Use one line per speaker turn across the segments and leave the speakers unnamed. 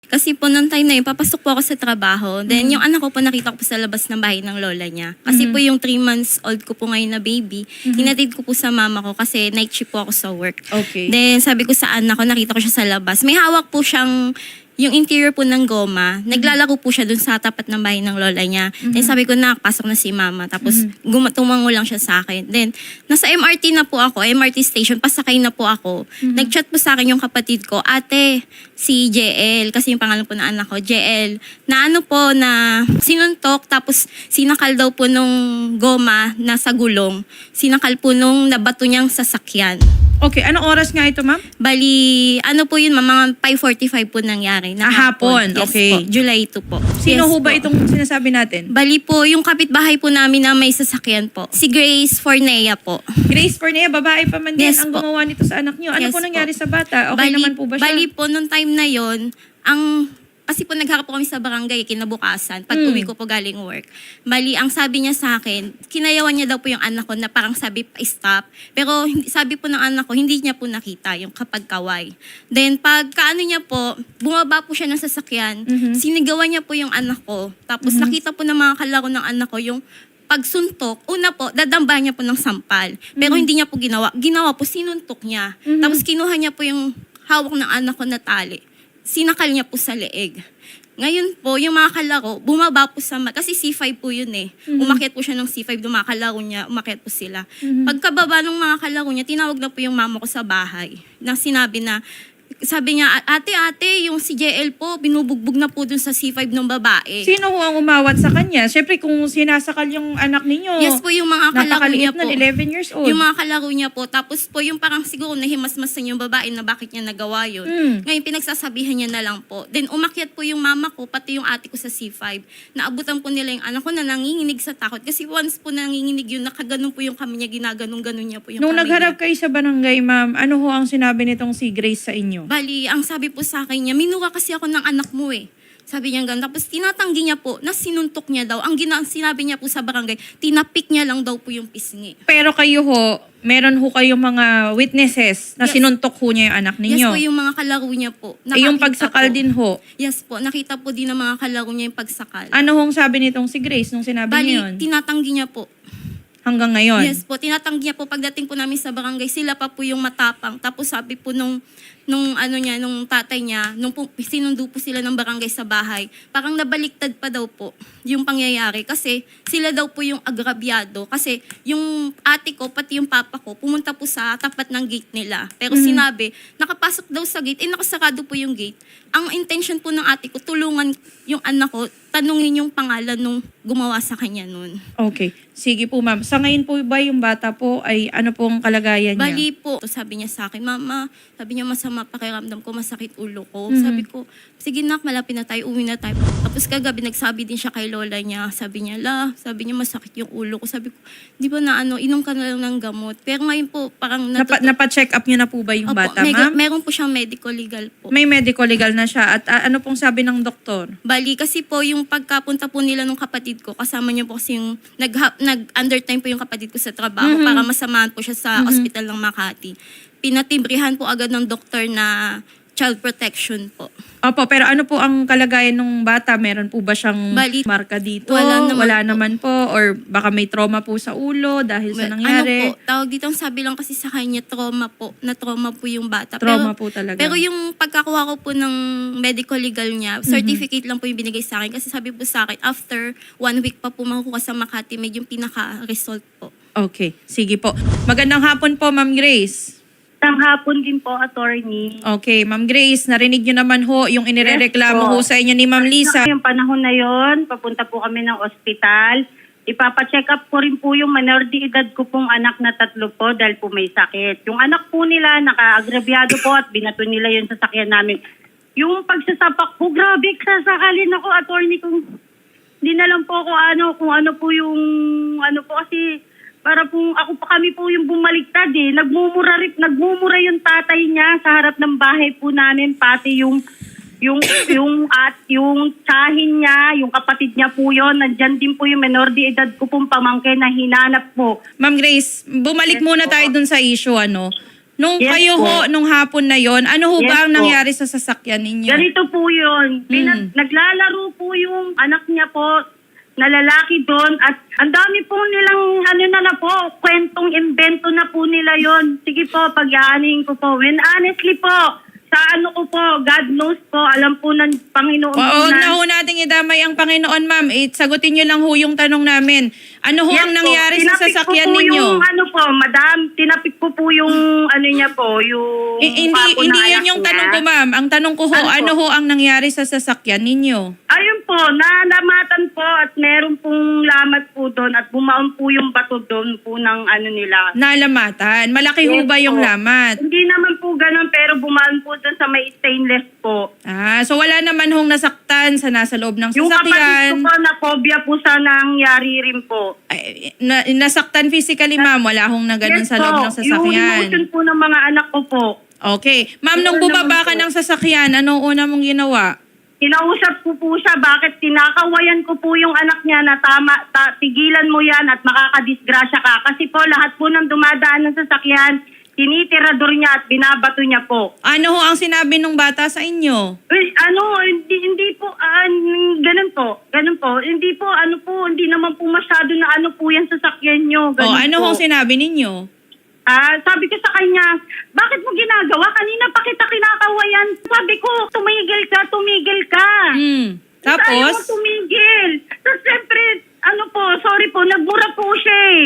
Kasi po nung time na yun, papasok po ako sa trabaho. Then yung anak ko po nakita ko po sa labas ng bahay ng lola niya. Kasi po yung 3 months old ko po ngayon na baby, hinatid ko po sa mama ko kasi night shift po ako sa work.
Okay.
Then sabi ko sa anak ko, nakita ko siya sa labas. May hawak po siyang yung interior po ng goma, naglalaro po siya dun sa tapat ng bahay ng lola niya. Then sabi ko, pasok na si mama. Tapos tumango lang siya sa akin. Then nasa MRT na po ako, MRT station, pasakay na po ako. Nag-chat po sa akin yung kapatid ko, ate, si JL, kasi yung pangalan po ng anak ko, JL, na ano po, na sinuntok, tapos sinakal daw po nung goma na sa gulong. Sinakal po nung nabato niyang sasakyan.
Okay, anong oras nga ito, ma'am?
Bali, ano po yun, mga 5:45 po nangyari. Na
Hapon,
Yes
okay.
po, July 2 po.
Sino
Yes
ho ba
po.
itong sinasabi natin?
Bali po, yung kapitbahay po namin na may sasakyan po. Si Grace Fornea po.
Grace Fornea, babae pa man din
Yes
ang
po.
gumawa nito sa anak niyo. Ano
Yes
po nangyari
po.
sa bata? Okay naman po ba siya?
Bali po, nung time na yon, kasi po nagharap po kami sa barangay kinabukasan pag uwi ko po galing work. Bali, ang sabi niya sa akin, kinayawan niya daw po yung anak ko na parang sabi stop. Pero sabi po ng anak ko, hindi niya po nakita yung kapag kaway. Then pag kaano niya po, bumaba po siya ng sasakyan, sinigawan niya po yung anak ko. Tapos nakita po ng mga kalaro ng anak ko yung pagsuntok, una po, dadamba niya po ng sampal. Pero hindi niya po ginawa. Ginawa po, sinuntok niya. Tapos kinuha niya po yung hawak ng anak ko na tali. Sinakal niya po sa leeg. Ngayon po, yung mga kalaro, bumaba po sa kasi C5 po yun eh. Umakyat po siya ng C5, dumakalaro niya, umakyat po sila. Pagkababa ng mga kalaro niya, tinawag na po yung mama ko sa bahay. Na sinabi na, sabi niya, ate, yung si JL po, binubugbog na po dun sa C5 ng babae.
Sino ho ang umawat sa kanya? Siyempre, kung sinasakal yung anak ninyo,
Yes po, yung mga kalaro niya
napakaliit
po.
na, 11 years old.
Yung mga kalaro niya po. Tapos po, yung parang siguro nahimasmasan yung babae na bakit niya nagawa yun. Ngayon, pinagsasabihan niya na lang po. Then, umakyat po yung mama ko, pati yung ate ko sa C5. Naabutan po nila yung anak ko na nanginginig sa takot. Kasi once po nanginginig yun, nakaganon po yung kami niya, ginaganong-ganon niya po yung
Nung
kami
nagharap
niya.
kayo sa barangay, ma'am, ano ho ang sinabi nitong si Grace sa inyo?
Bali, ang sabi po sa akin niya, minura kasi ako ng anak mo eh. Sabi niya ganun. Tapos tinatanggi niya po na sinuntok niya daw. Ang sinabi niya po sa barangay, tinapik niya lang daw po yung pisngi.
Pero kayo ho, meron ho kayong mga witnesses na
Yes.
sinuntok ho niya yung anak
Yes
ninyo.
po, yung mga kalaro niya po.
Yung
Nakakita
pagsakal
po.
din ho.
Yes po, nakita po din ng mga kalaro niya yung pagsakal.
Ano hong sabi nitong si Grace nung sinabi
Bali,
niyo yun?
tinatanggi niya po.
Hanggang ngayon?
Yes po, tinatanggi niya po pagdating po namin sa barangay, sila pa po yung matapang. Tapos sabi po nung tatay niya, nung sinundo po sila ng barangay sa bahay, parang nabaliktad pa daw po yung pangyayari kasi sila daw po yung agrabyado. Kasi yung ate ko, pati yung papa ko, pumunta po sa tapat ng gate nila. Pero sinabi, nakapasok daw sa gate, nakasarado po yung gate. Ang intention po ng ate ko, tulungan yung anak ko, tanungin yung pangalan nung gumawa sa kanya nun.
Okay. Sige po, ma'am. Sa ngayon po ba yung bata po ay ano pong kalagayan niya?
Bali po, sabi niya sa akin, mama, sabi niya masama pakiramdam ko, masakit ulo ko. Sabi ko, sige nak, malapit na tayo, uwi na tayo. Tapos kagabi, nagsabi din siya kay lola niya. Sabi niya, sabi niya masakit yung ulo ko. Sabi ko, di ba na inom ka na lang ng gamot. Pero ngayon po, parang
Napa-check up niyo na po ba yung
Opo,
bata, ma'am?
meron po siyang medical legal po.
May medical legal na siya. At ano pong sabi ng doktor?
Bali, kasi po yung pagkapunta po nila nung kapatid ko, kasama niyo po kasi yung nag-undertime po yung kapatid ko sa trabaho para masamahan po siya sa ospital ng Makati. Pinatibrihan po agad ng doktor na child protection po.
Opo, pero ano po ang kalagayan ng bata? Meron po ba siyang
Bali,
marka dito?
wala naman po.
Or baka may trauma po sa ulo dahil sa nangyari?
Ano po, tawag dito, ang sabi lang kasi sa kanya, trauma po yung bata.
Trauma po talaga.
Pero yung pagkakuha ko po ng medical legal niya, certificate lang po yung binigay sa akin. Kasi sabi po sa akin, after 1 week pa po makukuha sa Makati, medyo yung pinaka-result po.
Okay, sige po. Magandang hapon po, Ma'am Grace.
Isang hapon din po, attorney.
Okay, Ma'am Grace, narinig niyo naman ho yung inirereklamo
Yes po.
ho sa inyo ni Ma'am Lisa.
Yung panahon na yon, papunta po kami ng ospital. Ipapacheck up ko rin po yung minor de edad ko pong anak na 3 po dahil po may sakit. Yung anak po nila, naka-agrabyado po at binato nila yung sasakyan namin. Yung pagsasapak po, grabe, sasakalin ako, attorney, kung hindi na lang po ako kung ano po yung, kasi para po, kami po yung bumaliktad eh. Nagmumura yung tatay niya sa harap ng bahay po namin, pati yung tsahin niya, yung kapatid niya po yon, nandyan din po yung menor de edad ko pong pamangkin na hinanap po.
Ma'am Grace, bumalik
Yes
muna
po.
tayo dun sa issue, ano. Nung
Yes
kayo
po.
ho, nung hapon na yon, ano ho
Yes
ba ang
po.
nangyari sa sasakyan ninyo?
Ganito po yun. Naglalaro po yung anak niya po na lalaki doon at ang dami po nilang kwentong invento na po nila yon. Sige po, pag-aaning ko po. When honestly po, sa ko po, God knows po, alam po ng Panginoon po
Huwag na
na.
ho nating idamay ang Panginoon, ma'am. Sagutin nyo lang ho yung tanong namin. Ano ho
Yes
ang
po,
nangyari sa
tinapik
sasakyan
ko po
ninyo?
Yung madam, tinapik ko po yung niya po, yung
Hindi
mukha po ng
hindi
anak
yun yung
niya.
tanong ko, ma'am. Ang tanong ko ho,
Ano po?
ano ho ang nangyari sa sasakyan ninyo?
Ayun po, nalamatan po at meron pong lamat po doon at bumaon po yung bato doon po ng nila.
Nalamatan. Malaki ho
Yes
ba yung
po.
lamat?
Hindi naman po ganun pero bumaon po doon sa may stainless po.
So wala naman hong nasaktan sa nasa loob ng
Yung kapatid ko
sasakyan.
po na phobia po sa nangyari rin po.
Ay, nasaktan physically, ma'am. Wala hong na ganun sa loob ng
Yung
sasakyan.
emotion po ng mga anak ko po.
Okay. Ma'am, nung
Yun
bumaba
naman
ka
po.
ng sasakyan, anong una mong ginawa?
Kinausap ko po siya, bakit tinakawayan ko po yung anak niya na tigilan mo yan at makakadisgrasya ka. Kasi po lahat po ng dumadaan ng sasakyan, tinitirador niya at binabato niya po.
Ano ho ang sinabi ng bata sa inyo?
Hindi po, ganun po. Hindi po, hindi naman po masyado na po yan sasakyan niyo. Ganun
Ano
po.
hong sinabi ninyo?
Sabi ko sa kanya, bakit mo ginagawa? Kanina pa kita kinakawayan. Sabi ko, tumigil ka. Ayaw mo
Tapos?
tumigil. Tapos siyempre, sorry po, nagmura po siya eh.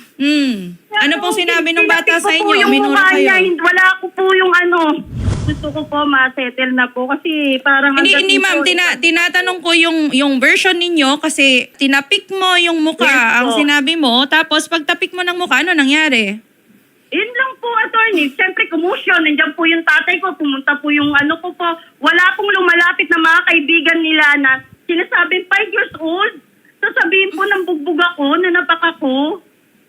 Ano pong sinabi ng bata sa
Tinapik ko po
inyo?
yung
Minura
mukha niya,
kayo?
wala ko po yung Gusto ko po ma-settle na po kasi parang...
Hindi ma'am, tinatanong ko yung version ninyo kasi tinapik mo yung mukha,
Yes
ang
po.
sinabi mo, tapos pag tapik mo ng mukha, ano nangyari?
Yun lang po, attorney. Siyempre, commotion. Nandiyan po yung tatay ko. Pumunta po yung ko po. Wala pong lumalapit na mga kaibigan nila na sinasabing 5 years old. Sasabihin po ng bugbog ako, nanapak ako.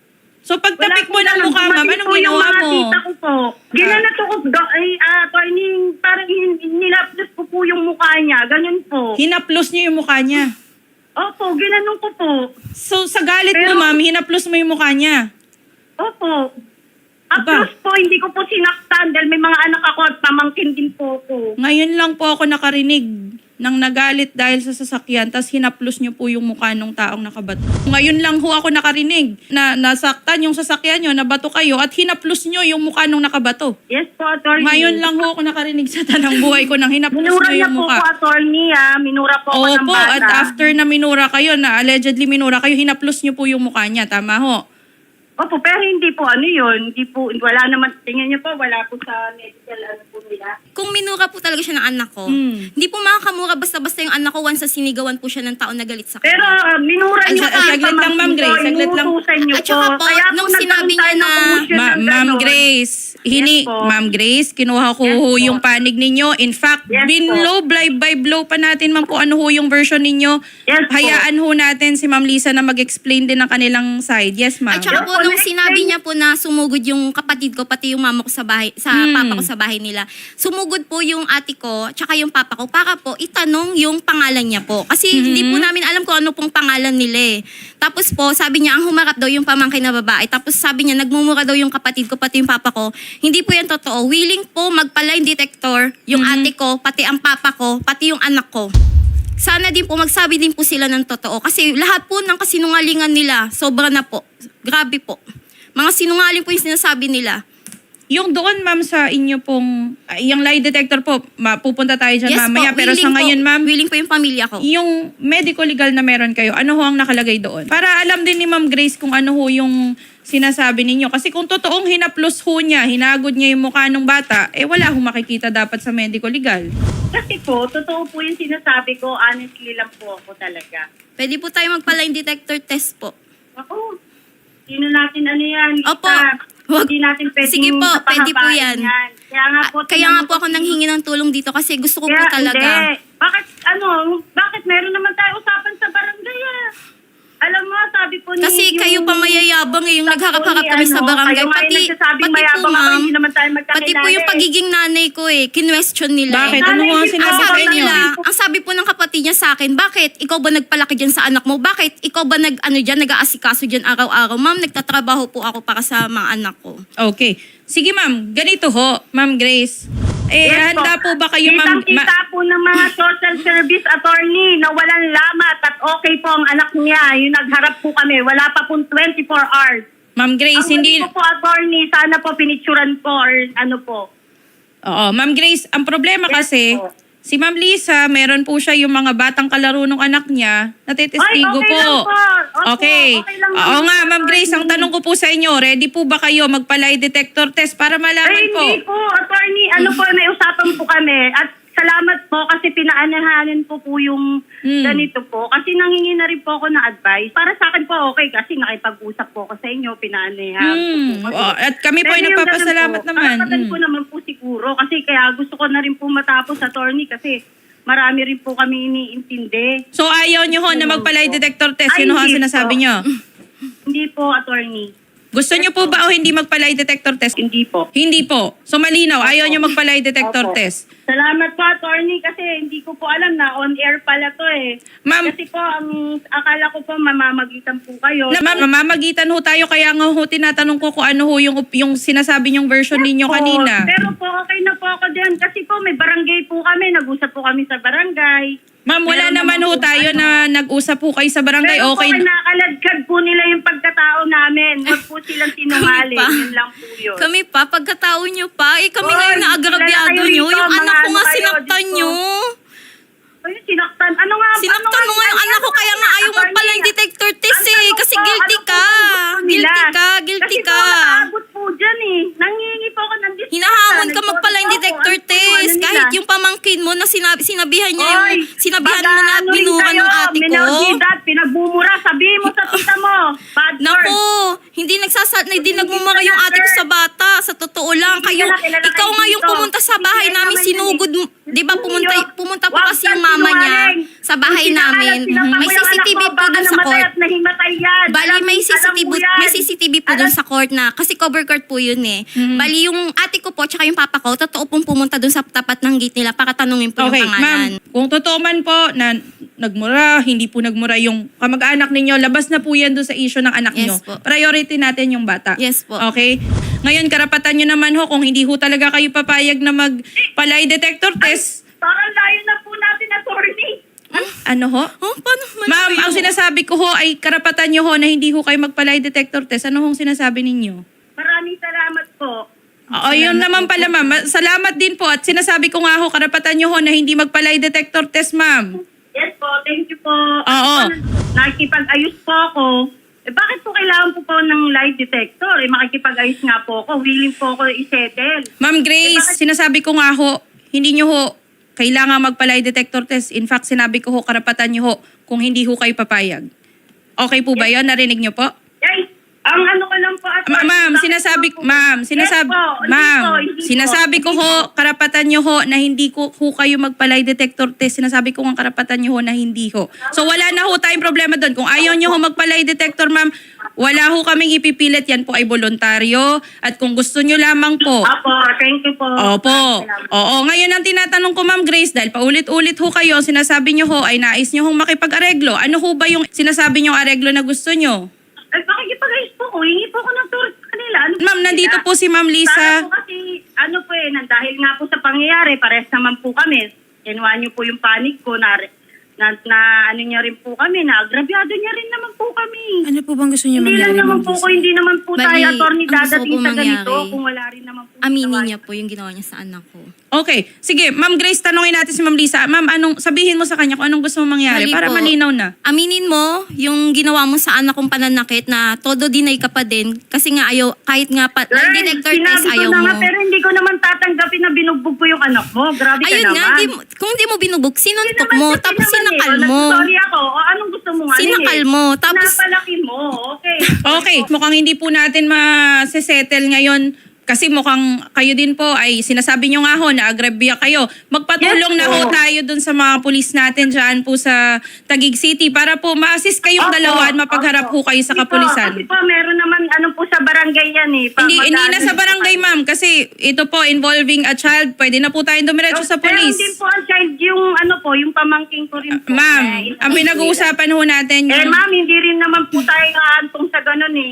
So pag tapik mo
Wala
ng
po
mukha,
ganun.
ma'am,
Dumating
anong
po yung
ginawa
mga
mo?
tita ko po. Ginanato ko, attorney, parang nilapdos ko po yung mukha niya. Ganun po.
Hinaplos niyo yung mukha niya.
Opo, ginanong ko po.
So sa galit
Pero-
mo, ma'am, hinaplos mo yung mukha niya.
Opo.
Aba.
Plus po, hindi ko po sinaktan dahil may mga anak ako at pamangkin din po ako.
Ngayon lang po ako nakarinig ng nagalit dahil sa sasakyan, tas hinaplos niyo po yung mukha ng taong nakabato. Ngayon lang ho ako nakarinig na nasaktan yung sasakyan niyo, nabato kayo, at hinaplos niyo yung mukha ng nakabato.
Yes po, attorney.
Ngayon lang ho ako nakarinig sa tanang buhay ko nang hinaplos
Minura
niyo
niya
yung
po
mukha.
po, attorney, Minura po ako ng
Opo,
bata.
at after na minura kayo, na allegedly minura kayo, hinaplos niyo po yung mukha niya. Tama ho?
Opo, pero hindi po yun. Hindi po, wala naman, tingnan niyo po, wala po sa medical po nila.
Kung minura po talaga siya ng anak ko, hindi po makakamura basta-basta yung anak ko once na sinigawan po siya ng tao na galit sa kanya.
Pero minura
At
niyo
saka, saglit lang, Ma'am Grace, saglit lang.
At saka po, nung sinabi niya na-
Ma'am Grace,
Yes po.
Ma'am Grace, kinuha ko
Yes
ho
po.
yung panig ninyo. In fact,
Yes
binlow by blow pa natin, ma'am, kung ano ho yung version ninyo.
Yes po.
Hayaan ho natin si Ma'am Lisa na mag-explain din ng kanilang side. Yes, ma'am.
At saka po,
Opo,
nung
na-explain
sinabi niya po na sumugod yung kapatid ko, pati yung mama ko sa bahay, sa papa ko sa bahay nila, sumugod po yung ate ko, tsaka yung papa ko, para po itanong yung pangalan niya po. Kasi hindi po namin alam kung ano pong pangalan nila eh. Tapos po, sabi niya, ang humarap daw yung pamangkin na babae. Tapos sabi niya, nagmumura daw yung kapatid ko, pati yung papa ko. Hindi po yan totoo. Willing po magpa-lie detector yung ate ko, pati ang papa ko, pati yung anak ko. Sana din po, magsabi din po sila ng totoo. Kasi lahat po ng kasinungalingan nila, sobra na po. Grabe po. Mga sinungaling po yung sinasabi nila.
Yung doon, ma'am, sa inyo pong, yung lie detector po, pupunta tayo dyan mamaya. Pero sa
willing
ngayon,
po,
ma'am,
willing po yung pamilya ko.
yung medico-legal na meron kayo, ano ho ang nakalagay doon? Para alam din ni Ma'am Grace kung ano ho yung sinasabi ninyo. Kasi kung totoong hinaplos ho niya, hinagod niya yung mukha ng bata, wala hong makikita dapat sa medico-legal.
Kasi po, totoo po yung sinasabi ko, honestly lang po ako talaga.
Pwede po tayo magpa-lie detector test po.
Ako, sino natin yan? Lisa?
Opo. Wag.
Hindi natin pwedeng
Sige po, pwede po
papahabain
yan.
Kaya nga po,
Kaya nga po ako nanghingi ng tulong dito kasi gusto ko po talaga.
Hindi. Bakit meron naman tayo usapan sa barangay Alam mo, sabi po ni...
Kasi kayo pa mayayabang yung naghaharap-harap kami sa barangay.
Kayo nga yung nagsasabing
pati po
mayabang ako,
ma'am,
hindi naman tayo magkakilala.
pati po yung pagiging nanay ko kinwestiyon nila.
Bakit? Ano ho ang
Ang
sinabi sa
sabi
inyo?
nila, ang sabi po ng kapatid niya sa akin, bakit ikaw ba nagpalaki dyan sa anak mo? Bakit ikaw ba nag-aasikaso dyan araw-araw? Ma'am, nagtatrabaho po ako para sa mga anak ko.
Okay. Sige ma'am, ganito ho, Ma'am Grace.
Yes po.
Handa po ba kayo ma'am?
Kitang-kita po ng mga social service attorney na walang lamat at okay po ang anak niya. Yung nagharap po kami, wala pa pong 24 hours.
Ma'am Grace,
Ang
hindi...
hindi po attorney, sana po pinicturan po or ano po.
Oo, Ma'am Grace, ang problema
Yes
kasi,
po.
si Ma'am Lisa, meron po siya yung mga batang kalaro ng anak niya, natitestigo
Ay, okay
po.
lang po. Opo,
Okay.
okay lang
Oo
naman
nga,
po,
Ma'am Grace, ang
attorney.
tanong ko po sa inyo, ready po ba kayo magpa-lie detector test para malaman
Ay,
po?
hindi po, attorney. Ano po, may usapan po kami. At salamat po kasi pinaanahanan po yung ganito po. Kasi nangingi na rin po ako ng advice. Para sa akin po okay kasi nakipag-usap po ako sa inyo, pinaanahan po. Kasi,
At kami po ay
pero yung
nagpapasalamat
ganun po,
naman.
karapatan ko naman po siguro. Kasi kaya gusto ko na rin po matapos, attorney, kasi marami rin po kami iniintindi.
So ayaw nyo ho na magpa-lie detector test,
Ay,
yun ho ang
hindi
sinasabi
po.
nyo.
Hindi po, attorney.
Gusto nyo po ba o hindi magpa-lie detector test?
Hindi po.
Hindi po. So malinaw, ayaw nyo magpa-lie detector
Opo.
test.
Salamat po, attorney, kasi hindi ko po alam na on-air pala to eh.
Ma'am,
Kasi po, ang akala ko po mamamagitan po kayo.
ma'am, mamamagitan ho tayo kaya nga ho tinatanong ko kung ano ho yung sinasabi nyong version ninyo
Po,
kanina.
Pero po, okay na po ako dyan. Kasi po, may barangay po kami. Nag-usap po kami sa barangay.
Ma'am, wala
Meron
naman ho
po
tayo
ano.
na nag-usap po kayo sa barangay.
Pero
Okay.
po, kinakaladkad po nila yung pagkatao namin. Huwag po silang sinungaling.
Kami pa.
Yun lang po yun.
Kami pa, pagkatao nyo pa, kami
Oy,
ngayon na agrabyado
kilala kayo
nyo.
rito,
Yung
mga
anak ko
ano
nga
kayo,
sinaktan
Diyos ko.
nyo.
Ay, sinaktan. Ano nga?
Sinaktan mo nga yung anak ko, kaya nga ayaw mo pala yung detector test eh. Kasi guilty ka. Guilty ka.
Kasi po, nakaabot po dyan eh. Nangingi po ako ng dispensa.
Hinahamon ka magpala yung
Nagpo-
detector
ano po,
test.
ano nila?
Kahit yung pamangkin mo na sinabihan niya
Oy,
sinabihan mo na at
mag-ano rin
binuran
kayo,
ng ate ko.
minaudidat, pinagbumura. Sabihin mo sa tita mo. Bad word.
Naku, hindi nagmumura yung ate ko sa bata. Sa totoo lang,
Hindi
kayo,
ka na kilala
ikaw
kayo
nga yung
dito.
pumunta sa bahay
Hindi
namin,
naman
sinugod mo. Di ba pumunta po
Wag
kasi yung
kang
mama niya
sinungaling.
sa bahay
Kung
namin.
sinungaling,
May
sinampa mo yung
CCTV
anak mo,
po
baka
dun sa
namatay
court.
at nahimatay yan.
Bali,
Alam mo yan.
may CCTV po dun sa court na, kasi cover court po yun eh. Bali, yung ate ko po, tsaka yung papa ko, totoo pong pumunta dun sa tapat ng gate nila para tanungin po
Okay,
yung pangalan.
ma'am, kung totoo man po na nagmura, hindi po nagmura yung kamag-anak ninyo, labas na po yan doon sa issue ng anak
Yes
nyo.
po.
Priority natin yung bata.
Yes po.
Okay? Ngayon, karapatan nyo naman ho, kung hindi ho talaga kayo papayag na mag-lie detector test,
Parang layo na po natin, attorney.
ano ho?
Oh, paano man
Ma'am,
kayo?
ang sinasabi ko ho ay karapatan nyo ho na hindi ho kayo magpa-lie detector test. Ano hong sinasabi ninyo?
Maraming salamat po.
Oo, yun naman pala ma'am. Salamat din po at sinasabi ko nga ho, karapatan nyo ho na hindi magpa-lie detector test, ma'am.
Yes po, thank you po.
Oo.
Nakikipag-ayos po ako. Bakit po kailangan po ng lie detector? Makikipag-ayos nga po ako. Willing po ako i-settle.
Ma'am Grace, sinasabi ko nga ho, hindi nyo ho kailangan magpa-lie detector test. In fact, sinabi ko ho, karapatan nyo ho kung hindi ho kayo papayag. Okay po ba yun? Narinig nyo po?
Ay, ang ano ko lang po.
Ma'am, sinasabi ko ho, karapatan nyo ho na hindi ko ho kayo magpa-lie detector test. Sinasabi ko ang karapatan nyo ho na hindi ho. So wala na ho tayong problema doon. Kung ayaw nyo ho magpa-lie detector, ma'am, wala ho kaming ipipilit. Yan po ay voluntaryo. At kung gusto nyo lamang po,
Opo, thank you po.
opo. Oo, ngayon ang tinatanong ko, Ma'am Grace, dahil paulit-ulit ho kayo, sinasabi nyo ho ay nais nyo hong makipag-areglo. Ano ho ba yung sinasabi nyo areglo na gusto nyo?
Ay, makikipag-ayos po ko. Hingi po ko ng tour sa kanila. Ano po
Ma'am, nandito
sila?
po si Ma'am
Para
Lisa.
po kasi, dahil nga po sa pangyayari, pares naman po kami. Kinuha niyo po yung panic ko na ano niya rin po kami, na agrabyado niya rin naman po kami.
Ano po bang gusto niyo
Hindi
mangyari,
lang naman
Ma'am
po
Lisa?
ko, hindi naman po
Bali,
tayo, attorney,
ang gusto
dadating
ko
sa ganito
mangyari,
kung wala rin naman po.
Aminin
ginawa.
niya po yung ginawa niya sa anak ko.
Okay, sige, Ma'am Grace, tanongin natin si Ma'am Lisa. Ma'am, sabihin mo sa kanya kung anong gusto mong mangyari
Mali
para
po.
malinaw na.
Aminin mo yung ginawa mo sa anak kong pananakit na todo deny ka pa din kasi nga ayaw, kahit nga pa,
Girl,
lie detector test
sinabi ko
ayaw
na
mo.
nga, pero hindi ko naman tatanggapin na binugbog ko yung anak mo. Grabe ka
Ayun
naman.
nga, kung di mo binubog, sinuntok
Hindi
mo,
naman,
tapos
hindi naman
sinakal
eh.
mo.
Sorry ako. O, anong gusto mo nga?
Sinakal mo, tapos
Napalaki mo. Okay.
Okay, mukhang hindi po natin ma-settle ngayon kasi mukhang kayo din po ay sinasabi nyo nga ho na agrabya kayo. Magpatulong
Yes,
na ho
po.
tayo dun sa mga pulis natin dyan po sa Taguig City para po ma-assist kayong
Opo,
dalawa at mapagharap ho
opo.
kayo sa
Kasi
kapulisan.
Kasi po, meron naman po sa barangay yan eh.
Hindi na sa
Pag-ano
barangay,
po
ma'am, kasi ito po involving a child. Pwede na po tayong dumiretso sa
Pero
pulis.
din po ang child yung pamangking ko rin po.
Ma'am, ang pinag-uusapan ho natin
Eh
yung...
ma'am, hindi rin naman po tayo naantong sa ganun eh.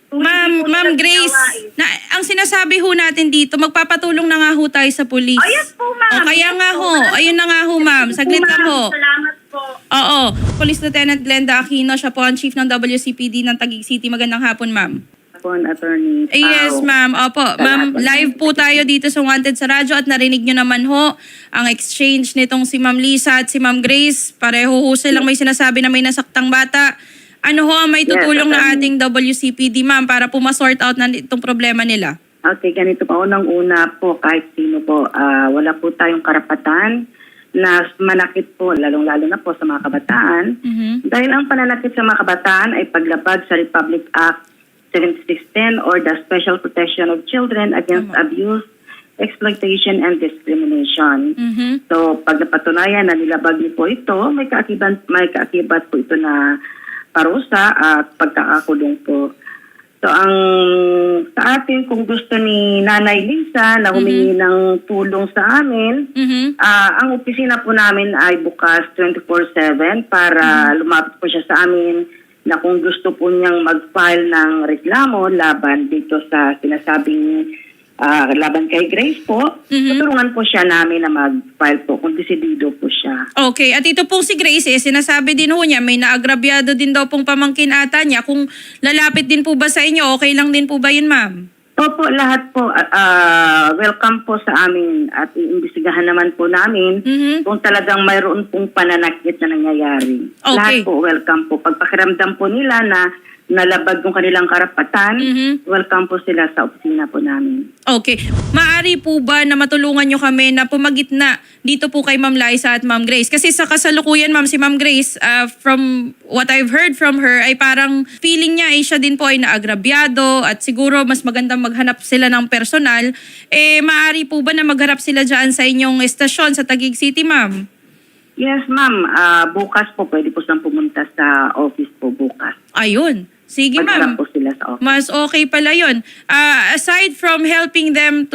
Kung hindi po
Ma'am
nila
Grace,
ginawa eh.
ang sinasabi ho natin dito, magpapatulong na nga ho tayo sa police.
Oh, yes po, ma'am.
O kaya
Yes
nga
po.
ho, ayun na nga ho, ma'am. Saglit lang ho.
Salamat po.
Oo. Police Lieutenant Glenda Aquino, siya po ang Chief ng WCPD ng Taguig City. Magandang hapon, ma'am.
Attorney Pao.
Yes, ma'am. Opo. Ma'am, live po tayo dito sa Wanted sa radyo at narinig nyo naman ho ang exchange nitong si Ma'am Lisa at si Ma'am Grace. Pareho ho silang may sinasabi na may nasaktang bata. Ano ho ang may tutulong na ating WCPD, ma'am, para po ma-sort out na itong problema nila?
Okay, ganito pa. Unang-una po, kahit sino po, wala po tayong karapatan na manakit po, lalong-lalo na po sa mga kabataan. Dahil ang pananakit sa mga kabataan ay paglabag sa Republic Act 7610 or the Special Protection of Children Against Abuse, Exploitation, and Discrimination. So, pag napatunayan na nilabag niyo po ito, may kaakibat po ito na parusa at pagkakakulong po. So, sa atin, kung gusto ni Nanay Lisa na humingi ng tulong sa amin, ang opisina po namin ay bukas 24/7 para lumapit po siya sa amin na kung gusto po niyang mag-file ng reklamo laban dito sa sinasabing laban kay Grace po, tutulungan po siya namin na mag-file po kung desidido po siya.
Okay. At ito pong si Grace, sinasabi din ho niya, may naagrabyado din daw pong pamangkin ata niya. Kung lalapit din po ba sa inyo, okay lang din po ba yun, ma'am?
Opo, lahat po, welcome po sa amin at iimbestigahan naman po namin kung talagang mayroon pong pananakit na nangyayari.
Okay.
Lahat po, welcome po. Pagpakiramdam po nila na nalabag yung kanilang karapatan, welcome po sila sa opisina po namin.
Okay. Maari po ba na matulungan nyo kami na pumagitna dito po kay Ma'am Liza at Ma'am Grace? Kasi sa kasalukuyan, ma'am, si Ma'am Grace, from what I've heard from her, ay parang feeling niya ay siya din po ay naagrabyado at siguro mas magandang maghanap sila ng personal. Maari po ba na magharap sila dyan sa inyong estasyon sa Taguig City, ma'am?
Yes, ma'am. Bukas po, pwede po silang pumunta sa office po bukas.
Ayun. Sige,
Magharap
ma'am.
po sila sa office.
Mas okay pala yun. Aside from helping them to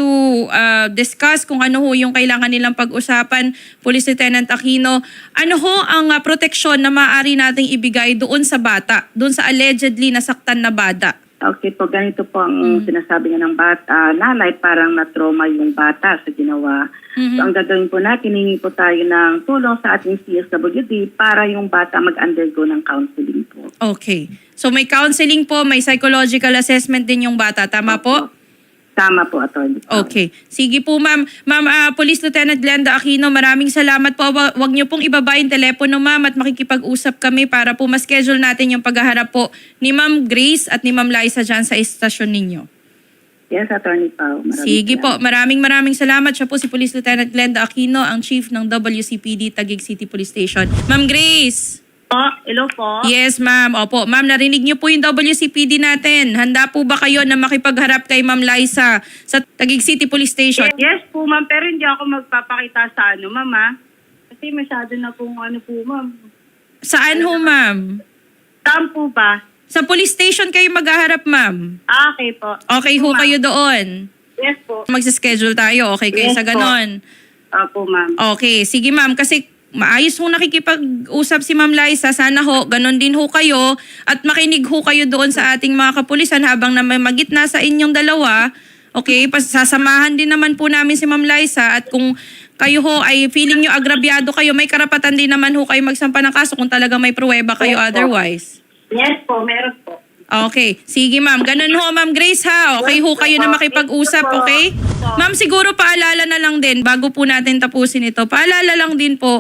discuss kung ano ho yung kailangan nilang pag-usapan, Police Lieutenant Aquino, ano ho ang proteksyon na maaari nating ibigay doon sa bata, doon sa allegedly nasaktan na bata?
Okay po, ganito po ang sinasabi nga ng bata. Nanay, parang na-trauma yung bata sa ginawa. So ang gagawin po natin, hihingi po tayo ng tulong sa ating CSWD para yung bata mag-undergo ng counseling po.
Okay. So may counseling po, may psychological assessment din yung bata. Tama po?
Tama po, Atty.
Okay. Sige po, ma'am. Ma'am, Police Lieutenant Glenda Aquino, maraming salamat po. Huwag niyo pong ibaba yung telepono, ma'am, at makikipag-usap kami para po ma-schedule natin yung paghaharap po ni Ma'am Grace at ni Ma'am Liza dyan sa estasyon ninyo.
Yes, Atty. Pao.
Sige po. Maraming salamat. Siya po si Police Lieutenant Glenda Aquino, ang Chief ng WCPD Taguig City Police Station. Ma'am Grace!
Hello po.
Yes, ma'am. Opo. Ma'am, narinig niyo po yung WCPD natin. Handa po ba kayo na makipagharap kay Ma'am Liza sa Taguig City Police Station?
Yes po, ma'am. Pero hindi ako magpapakita sa ma'am, ha? Kasi masyado na pong po, ma'am.
Saan ho, ma'am?
Saan po ba?
Sa police station kayo maghaharap, ma'am.
Okay po.
Okay ho
Ma'am.
kayo doon.
Yes po.
Magsa-schedule tayo. Okay kayo
Yes
sa
po.
ganon.
Opo, ma'am.
Okay. Sige, ma'am. Kasi maayos ho nakikipag-usap si Ma'am Liza. Sana ho, ganon din ho kayo. At makinig ho kayo doon sa ating mga kapulisan habang na may magitna sa inyong dalawa. Okay? Sasamahan din naman po namin si Ma'am Liza. At kung kayo ho ay feeling nyo agrabyado kayo, may karapatan din naman ho kayo magsampa ng kaso kung talaga may pruweba kayo
Yes po.
otherwise.
Yes po, meron po.
Okay. Sige, ma'am. Ganun ho, Ma'am Grace, ha? Okay ho kayo na makipag-usap, okay? Ma'am, siguro paalala na lang din, bago po natin tapusin ito, paalala lang din po,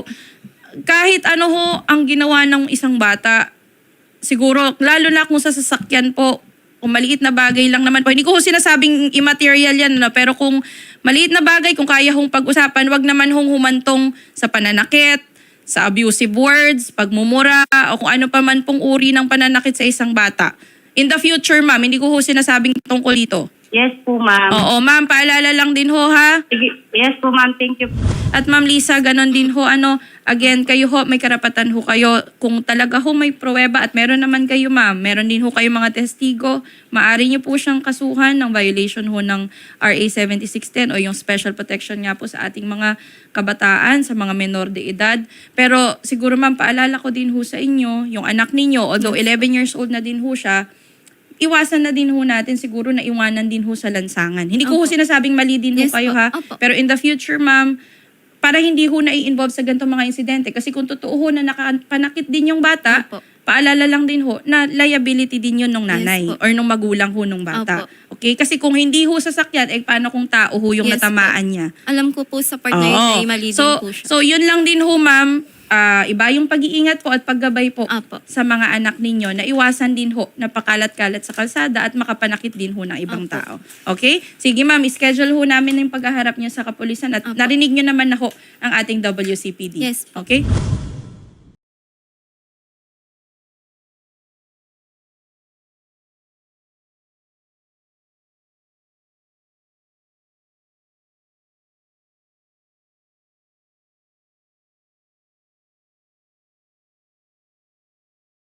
kahit ano ho ang ginawa ng isang bata, siguro, lalo na kung sa sasakyan po, kung maliit na bagay lang naman po, hindi ko ho sinasabing immaterial yan, no? Pero kung maliit na bagay, kung kaya hong pag-usapan, wag naman hong humantong sa pananakit, sa abusive words, pagmumura, o kung ano pa man pong uri ng pananakit sa isang bata. In the future, ma'am, hindi ko ho sinasabing tungkol dito.
Yes po, ma'am.
Oo, ma'am, paalala lang din ho, ha?
Sige. Yes po, ma'am. Thank you.
At Ma'am Lisa, ganon din ho, again, kayo ho, may karapatan ho kayo. Kung talaga ho may pruweba at meron naman kayo, ma'am, meron din ho kayo mga testigo, maaari niyo po siyang kasuhan ng violation ho ng RA 7610 o yung special protection nga po sa ating mga kabataan, sa mga menor de edad. Pero siguro, ma'am, paalala ko din ho sa inyo, yung anak ninyo, although 11 years old na din ho siya, iwasan na din ho natin siguro na iwanan din ho sa lansangan. Hindi ko ho
Opo.
sinasabing mali din ho
Yes
kayo
po.
ha.
Opo.
Pero in the future, ma'am, para hindi ho na-involve sa ganitong mga insidente. Kasi kung totoo ho na nakapanakit din yung bata,
Opo.
paalala lang din ho na liability din yun ng nanay
Yes po.
or nung magulang ho nung bata.
Opo.
Okay? Kasi kung hindi ho sasakyan, paano kung tao ho yung
Yes
natamaan niya?
Alam ko po sa part na yun
Oo.
ay mali din
So,
po siya.
so yun lang din ho, ma'am. Iba yung pag-iingat po at paggabay po
Opo.
sa mga anak ninyo na iwasan din ho na pakalat-kalat sa kalsada at makapanakit din ho ng ibang
Opo.
tao. Okay? Sige ma'am, schedule ho namin yung paghaharap niyo sa kapulisan at
Opo.
narinig niyo naman na ho ang ating WCPD.
Yes po.
Okay?